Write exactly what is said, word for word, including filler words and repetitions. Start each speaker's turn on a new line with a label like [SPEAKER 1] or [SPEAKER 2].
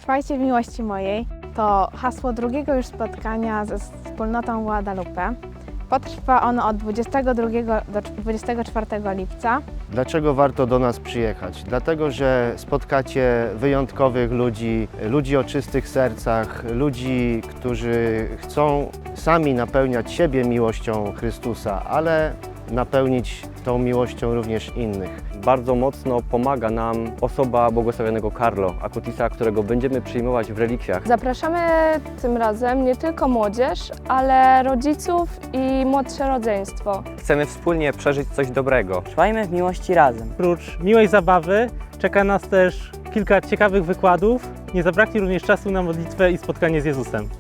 [SPEAKER 1] Trwajcie w miłości mojej to hasło drugiego już spotkania ze wspólnotą Guadalupe. Potrwa ono od dwudziestego drugiego do dwudziestego czwartego lipca.
[SPEAKER 2] Dlaczego warto do nas przyjechać? Dlatego, że spotkacie wyjątkowych ludzi, ludzi o czystych sercach, ludzi, którzy chcą sami napełniać siebie miłością Chrystusa, ale napełnić tą miłością również innych.
[SPEAKER 3] Bardzo mocno pomaga nam osoba błogosławionego Carlo Acutisa, którego będziemy przyjmować w relikwjach.
[SPEAKER 4] Zapraszamy tym razem nie tylko młodzież, ale rodziców i młodsze rodzeństwo.
[SPEAKER 3] Chcemy wspólnie przeżyć coś dobrego.
[SPEAKER 5] Trwajmy w miłości razem.
[SPEAKER 6] Oprócz miłej zabawy czeka nas też kilka ciekawych wykładów. Nie zabraknie również czasu na modlitwę i spotkanie z Jezusem.